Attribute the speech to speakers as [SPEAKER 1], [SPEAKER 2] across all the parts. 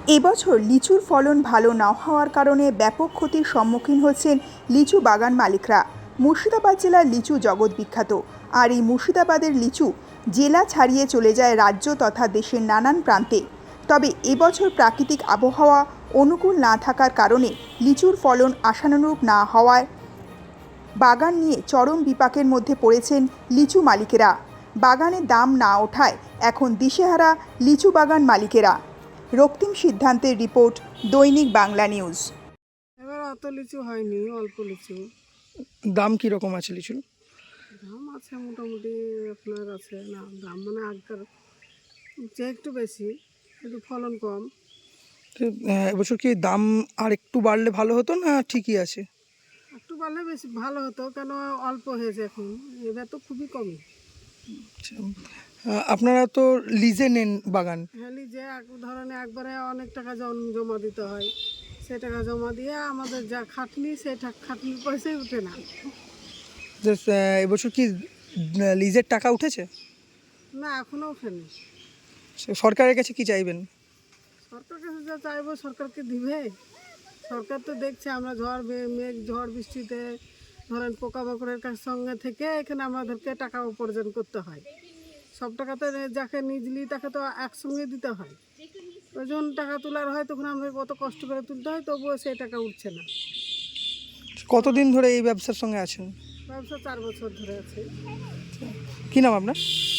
[SPEAKER 1] এবছর লিচুর ফলন ভালো না হওয়ার কারণে ব্যাপক ক্ষতির সম্মুখীন হচ্ছেন লিচু বাগান মালিকরা। মুর্শিদাবাদ জেলার লিচু জগৎ বিখ্যাত, আর এই মুর্শিদাবাদের লিচু জেলা ছাড়িয়ে চলে যায় রাজ্য তথা দেশের নানান প্রান্তে। তবে এবছর প্রাকৃতিক আবহাওয়া অনুকূল না থাকার কারণে লিচুর ফলন আশানুরূপ না হওয়ায় বাগান নিয়ে চরম বিপাকের মধ্যে পড়েছেন লিচু মালিকেরা। বাগানের দাম না ওঠায় এখন দিশেহারা লিচু বাগান মালিকেরা। রক্তিম সিদ্ধান্তের রিপোর্ট, দৈনিক বাংলা নিউজ।
[SPEAKER 2] এবার অত লিচু হয়নি, অল্প লিচু।
[SPEAKER 3] দাম কীরকম আছে লিচুর?
[SPEAKER 2] দাম আছে মোটামুটি, আপনার আছে না দাম মানে আগের চেয়ে একটু বেশি, একটু ফলন কম।
[SPEAKER 3] তো এবছর কি দাম আর একটু বাড়লে ভালো হতো না ঠিকই আছে?
[SPEAKER 2] একটু বাড়লে বেশি ভালো হতো, কেন অল্প হয়েছে এখন, এবার তো খুবই কমই।
[SPEAKER 3] আচ্ছা, আপনারা তো লিজে নেন বাগান?
[SPEAKER 2] হ্যাঁ, যে এক ধরনের একবারে অনেক টাকা জমা দিতে হয়, সে টাকা জমা দিয়ে আমাদের যা খাটনি, সেই খাটনির পয়সাই উঠে না।
[SPEAKER 3] যে এবছর কি লিজের টাকা উঠেছে?
[SPEAKER 2] না, এখনও ওঠেনি।
[SPEAKER 3] সরকারের কাছে কি চাইবেন?
[SPEAKER 2] সরকার কাছে যা চাইবো সরকারকে দিবে। সরকার তো দেখছে আমরা মেঘ ঝড় বৃষ্টিতে ধরেন পোকামাকড়ের সঙ্গে থেকে এখানে আমাদেরকে টাকা উপার্জন করতে হয়। সব টাকা তো যাকে নিজলি তাকে তো একসঙ্গে দিতে হয়। যখন টাকা তোলার হয় তখন আমাদের কত কষ্ট করে তুলতে হয়, তবুও সেই টাকা উঠছে না।
[SPEAKER 3] কতদিন ধরে এই ব্যবসার সঙ্গে আছেন?
[SPEAKER 2] ব্যবসা 4 বছর ধরে আছে।
[SPEAKER 3] কি নাম আপনার?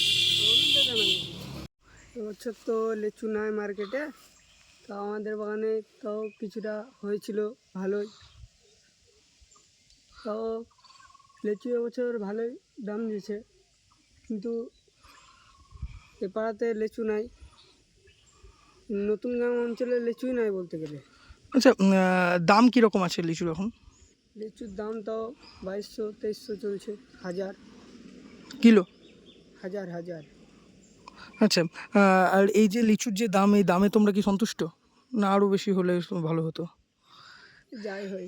[SPEAKER 2] এবছর তো লিচু নাই মার্কেটে, তো আমাদের বাগানে তাও কিছুটা হয়েছিল ভালোই। তাও লিচু এবছর ভালোই দাম দিয়েছে, কিন্তু এ পাড়াতে লিচু নাই। নতুন গ্রাম অঞ্চলে লিচুই নাই বলতে গেলে।
[SPEAKER 3] আচ্ছা, দাম কীরকম আছে লিচুর এখন?
[SPEAKER 2] লিচুর দাম তাও 2200-2300 চলছে, হাজার
[SPEAKER 3] কিলো?
[SPEAKER 2] হাজার হাজার।
[SPEAKER 3] আচ্ছা, আর এই যে লিচুর যে দাম, এই দামে তোমরা কি সন্তুষ্ট, না আরও বেশি হলে ভালো হতো?
[SPEAKER 2] যাই হয়।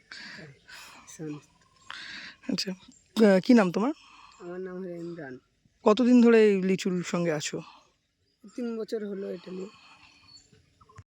[SPEAKER 3] আচ্ছা, কি নাম তোমার?
[SPEAKER 2] আমার নাম হলো ইমরান।
[SPEAKER 3] কতদিন ধরে এই লিচুর সঙ্গে আছো?
[SPEAKER 2] 3 বছর হলো এটা নিয়ে।